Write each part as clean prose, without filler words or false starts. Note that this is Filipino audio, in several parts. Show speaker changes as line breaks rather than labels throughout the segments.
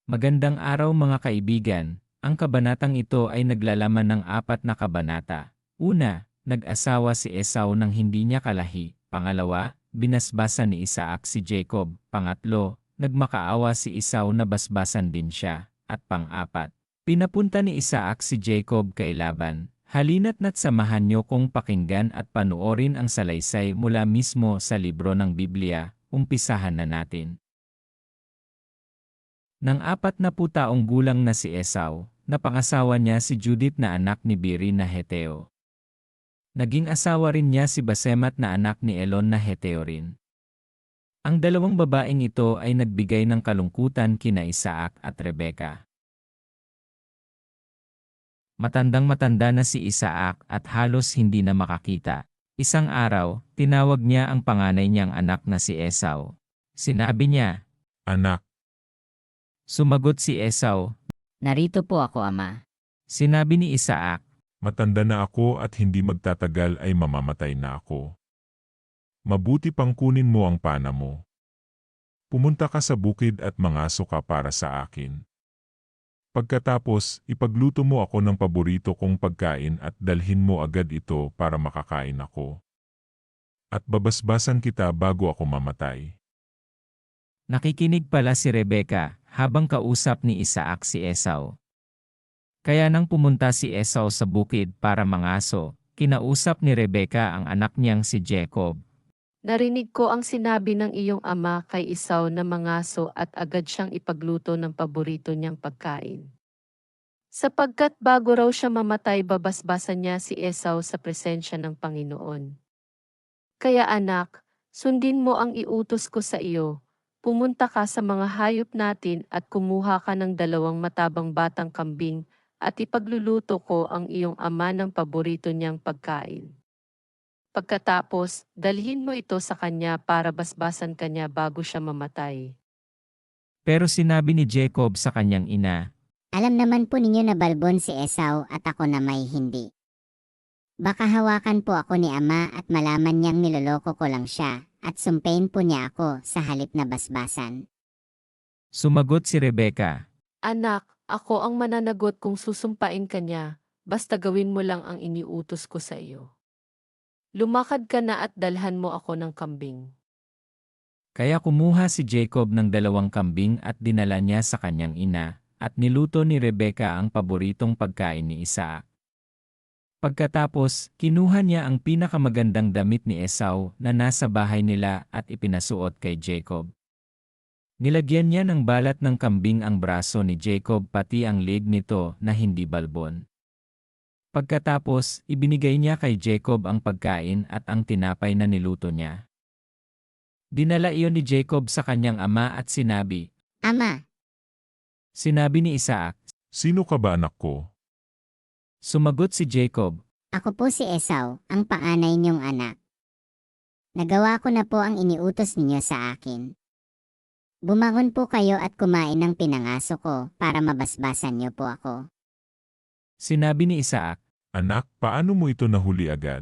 Magandang araw mga kaibigan, ang kabanatang ito ay naglalaman ng 4 na kabanata. Una, nag-asawa si Esau nang hindi niya kalahi. Pangalawa, binasbasan ni Isaac si Jacob. Pangatlo, nagmakaawa si Esau na basbasan din siya. At pang-apat, pinapunta ni Isaac si Jacob kay Laban. Halina't samahan niyo kong pakinggan at panoorin ang salaysay mula mismo sa libro ng Biblia. Umpisahan na natin. Nang 40 taong gulang na si Esau, napangasawa niya si Judith na anak ni Biri na Heteo. Naging asawa rin niya si Basemat na anak ni Elon na Heteo rin. Ang dalawang babaeng ito ay nagbigay ng kalungkutan kina Isaac at Rebeka. Matandang-matanda na si Isaac at halos hindi na makakita. Isang araw, tinawag niya ang panganay niyang anak na si Esau. Sinabi niya,
Anak,
sumagot si Esau.
Narito po ako, Ama.
Sinabi ni Isaac,
matanda na ako at hindi magtatagal ay mamamatay na ako. Mabuti pang kunin mo ang pana mo. Pumunta ka sa bukid at mangaso ka para sa akin. Pagkatapos, ipagluto mo ako ng paborito kong pagkain at dalhin mo agad ito para makakain ako. At babasbasan kita bago ako mamatay.
nakikinig pala si Rebeka habang kausap ni Isaac si Esau. Kaya nang pumunta si Esau sa bukid para mangaso, kinausap ni Rebeka ang anak niyang si Jacob.
Narinig ko ang sinabi ng iyong ama kay Esau na mangaso at agad siyang ipagluto ng paborito niyang pagkain. Sapagkat bago raw siya mamatay babasbasan niya si Esau sa presensya ng Panginoon. Kaya anak, sundin mo ang iutos ko sa iyo. Pumunta ka sa mga hayop natin at kumuha ka ng 2 matabang batang kambing at ipagluluto ko ang iyong ama ng paborito niyang pagkain. Pagkatapos, dalhin mo ito sa kanya para basbasan kanya bago siya mamatay.
Pero sinabi ni Jacob sa kanyang ina,
Alam naman po ninyo na balbon si Esau at ako na may hindi. Baka hawakan po ako ni Ama at malaman niyang niloloko ko lang siya at sumpain po niya ako sa halip na basbasan.
sumagot si Rebeka.
Anak, ako ang mananagot kung susumpain ka niya, basta gawin mo lang ang iniutos ko sa iyo. Lumakad ka na at dalhan mo ako ng kambing.
Kaya kumuha si Jacob ng 2 kambing at dinala niya sa kanyang ina, at niluto ni Rebeka ang paboritong pagkain ni Isaac. Pagkatapos, kinuha niya ang pinakamagandang damit ni Esau na nasa bahay nila at ipinasuot kay Jacob. Nilagyan niya ng balat ng kambing ang braso ni Jacob pati ang leg nito na hindi balbon. Pagkatapos, ibinigay niya kay Jacob ang pagkain at ang tinapay na niluto niya. Dinala iyon ni Jacob sa kanyang ama at sinabi,
Ama,
Sinabi ni Isaac,
Sino ka ba anak ko?
sumagot si Jacob,
ako po si Esau, ang panganay niyong anak. Nagawa ko na po ang iniutos ninyo sa akin. Bumangon po kayo at kumain ng pinangaso ko para mabasbasan niyo po ako.
Sinabi ni Isaac,
Anak, paano mo ito nahuli agad?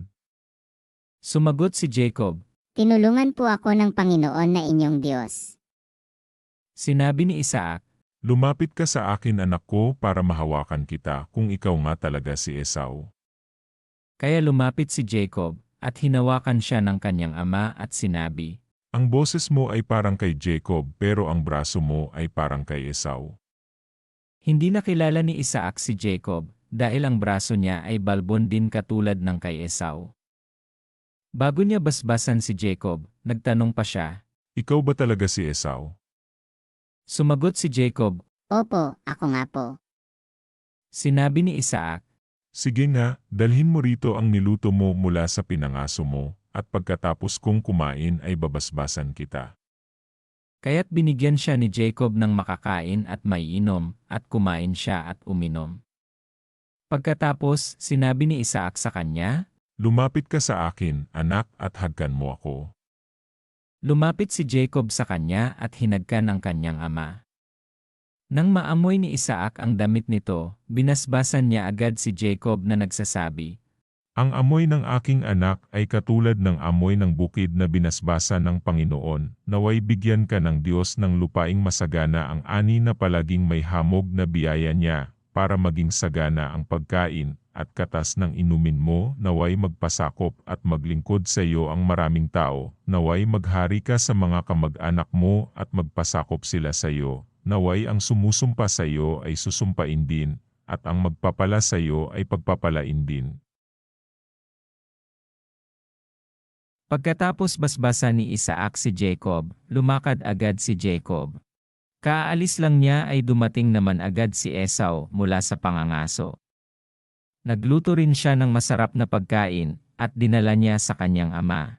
sumagot si Jacob,
Tinulungan po ako ng Panginoon na inyong Diyos.
Sinabi ni Isaac,
Lumapit ka sa akin anak ko para mahawakan kita kung ikaw nga talaga si Esau.
Kaya lumapit si Jacob, at hinawakan siya ng kanyang ama at sinabi,
Ang boses mo ay parang kay Jacob pero ang braso mo ay parang kay Esau.
Hindi nakilala ni Isaac si Jacob, dahil ang braso niya ay balbon din katulad ng kay Esau. Bago niya basbasan si Jacob, nagtanong pa siya.
Ikaw ba talaga si Esau?
Sumagot si Jacob,
Opo, ako nga po.
sinabi ni Isaac,
Sige nga, dalhin mo rito ang niluto mo mula sa pinangaso mo, at pagkatapos kong kumain ay babasbasan kita.
kaya't binigyan siya ni Jacob ng makakain at maiinom, at kumain siya at uminom. Pagkatapos, sinabi ni Isaac sa kanya,
Lumapit ka sa akin, anak, at hagkan mo ako.
lumapit si Jacob sa kanya at hinagkan ang kanyang ama. Nang maamoy ni Isaac ang damit nito, binasbasan niya agad si Jacob na nagsasabi,
Ang amoy ng aking anak ay katulad ng amoy ng bukid na binasbasa ng Panginoon. Naway bigyan ka ng Diyos ng lupaing masagana ang ani na palaging may hamog na biyaya niya, para maging sagana ang pagkain, at katas ng inumin mo. Naway magpasakop at maglingkod sa iyo ang maraming tao. Naway maghari ka sa mga kamag-anak mo at magpasakop sila sa iyo. Naway ang sumusumpa sa iyo ay susumpain din, at ang magpapala sa iyo ay pagpapalain din.
Pagkatapos basbasa ni Isaac si Jacob, lumakad agad si Jacob. Kaalis lang niya ay dumating naman agad si Esau mula sa pangangaso. Nagluto rin siya ng masarap na pagkain at dinala niya sa kanyang ama.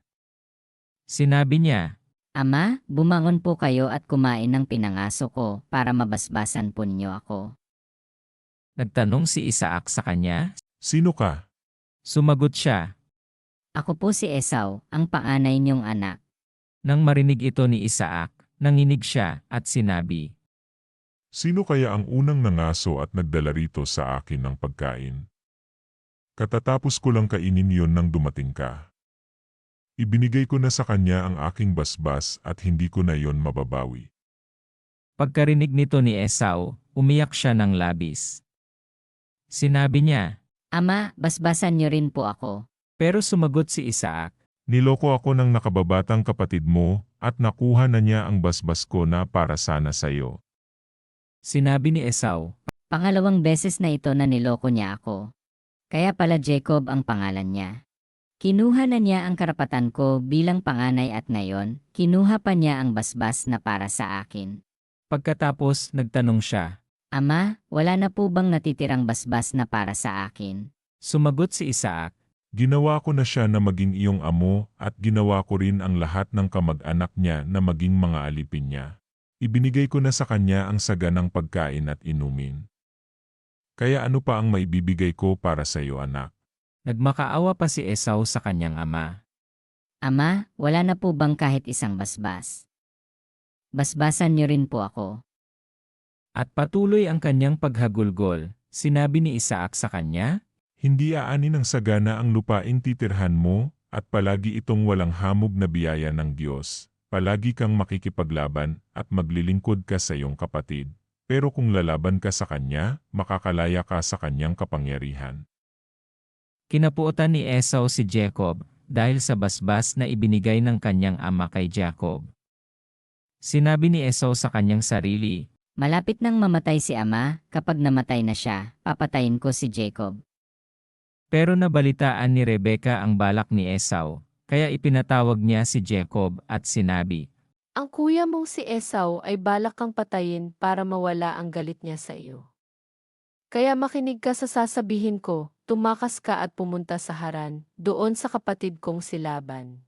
Sinabi niya,
Ama, bumangon po kayo at kumain ng pinangaso ko para mabasbasan po ninyo ako.
nagtanong si Isaac sa kanya.
Sino ka?
Sumagot siya.
Ako po si Esau, ang panganay niyong anak.
Nang marinig ito ni Isaac, nanginig siya at sinabi,
Sino kaya ang unang nangaso at nagdala rito sa akin ng pagkain? Katatapos ko lang kainin yon nang dumating ka. Ibinigay ko na sa kanya ang aking basbas at hindi ko na yon mababawi.
Pagkarinig nito ni Esau, umiyak siya ng labis. Sinabi niya,
Ama, basbasan niyo rin po ako.
pero sumagot si Isaac,
Niloko ako ng nakababatang kapatid mo at nakuha na niya ang basbas ko na para sana sa iyo.
sinabi ni Esau,
Pangalawang beses na ito na niloko niya ako. Kaya pala Jacob ang pangalan niya. Kinuha na niya ang karapatan ko bilang panganay at ngayon, kinuha pa niya ang basbas na para sa akin.
Pagkatapos nagtanong siya,
Ama, wala na po bang natitirang basbas na para sa akin?
sumagot si Isaac,
Ginawa ko na siya na maging iyong amo at ginawa ko rin ang lahat ng kamag-anak niya na maging mga alipin niya. Ibinigay ko na sa kanya ang saganang pagkain at inumin. Kaya ano pa ang maibibigay ko para sa iyo, anak?
nagmakaawa pa si Esau sa kanyang ama.
Ama, wala na po bang kahit isang basbas? Basbasan niyo rin po ako.
At patuloy ang kanyang paghagulgol, sinabi ni Isaac sa kanya,
Hindi aanin ng sagana ang lupaing titirhan mo, at palagi itong walang hamog na biyaya ng Diyos. Palagi kang makikipaglaban at maglilingkod ka sa iyong kapatid. Pero kung lalaban ka sa kanya, makakalaya ka sa kanyang kapangyarihan.
Kinapuotan ni Esau si Jacob dahil sa basbas na ibinigay ng kanyang ama kay Jacob. Sinabi ni Esau sa kanyang sarili,
Malapit nang mamatay si ama, kapag namatay na siya, papatayin ko si Jacob.
pero nabalitaan ni Rebeka ang balak ni Esau, kaya ipinatawag niya si Jacob at sinabi,
Ang kuya mong si Esau ay balak kang patayin para mawala ang galit niya sa iyo. Kaya makinig ka sa sasabihin ko, tumakas ka at pumunta sa Haran, doon sa kapatid kong si Laban.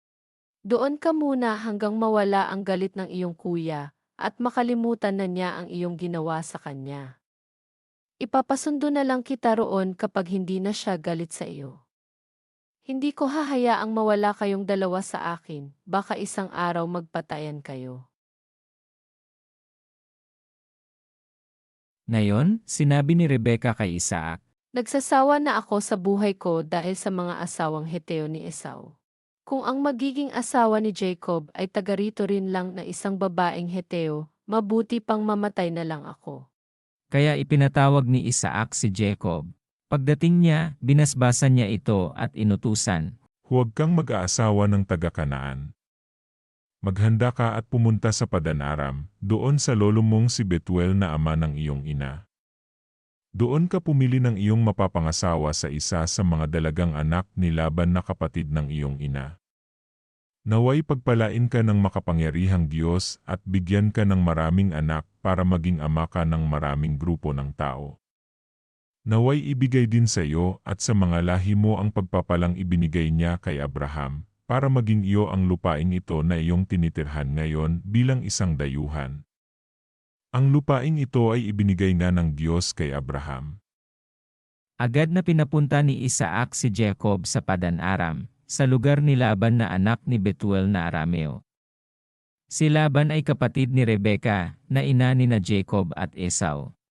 Doon ka muna hanggang mawala ang galit ng iyong kuya, at makalimutan na niya ang iyong ginawa sa kanya. Ipapasundo na lang kita roon kapag hindi na siya galit sa iyo. Hindi ko hahayaang mawala kayong dalawa sa akin, baka isang araw magpatayan kayo.
Ngayon, sinabi ni Rebeka kay Isaac,
Nagsasawa na ako sa buhay ko dahil sa mga asawang Heteo ni Esau. Kung ang magiging asawa ni Jacob ay taga rito rin lang na isang babaeng Heteo, mabuti pang mamatay na lang ako.
kaya ipinatawag ni Isaac si Jacob. Pagdating niya, binasbasan niya ito at inutusan,
Huwag kang mag-aasawa ng taga-Kanaan. Maghanda ka at pumunta sa Padan-aram, doon sa lolo mong si Betuel na ama ng iyong ina. Doon ka pumili ng iyong mapapangasawa sa isa sa mga dalagang anak ni Laban na kapatid ng iyong ina. Naway pagpalain ka ng makapangyarihang Diyos at bigyan ka ng maraming anak para maging ama ka ng maraming grupo ng tao. Naway ibigay din sa iyo at sa mga lahi mo ang pagpapalang ibinigay niya kay Abraham, para maging iyo ang lupaing ito na iyong tinitirhan ngayon bilang isang dayuhan. Ang lupaing ito ay ibinigay nga ng Diyos kay Abraham.
Agad na pinapunta ni Isaac si Jacob sa Padan-aram, sa lugar ni Laban na anak ni Betuel na Arameo. Si Laban ay kapatid ni Rebeka, na ina ni na Jacob at Esau.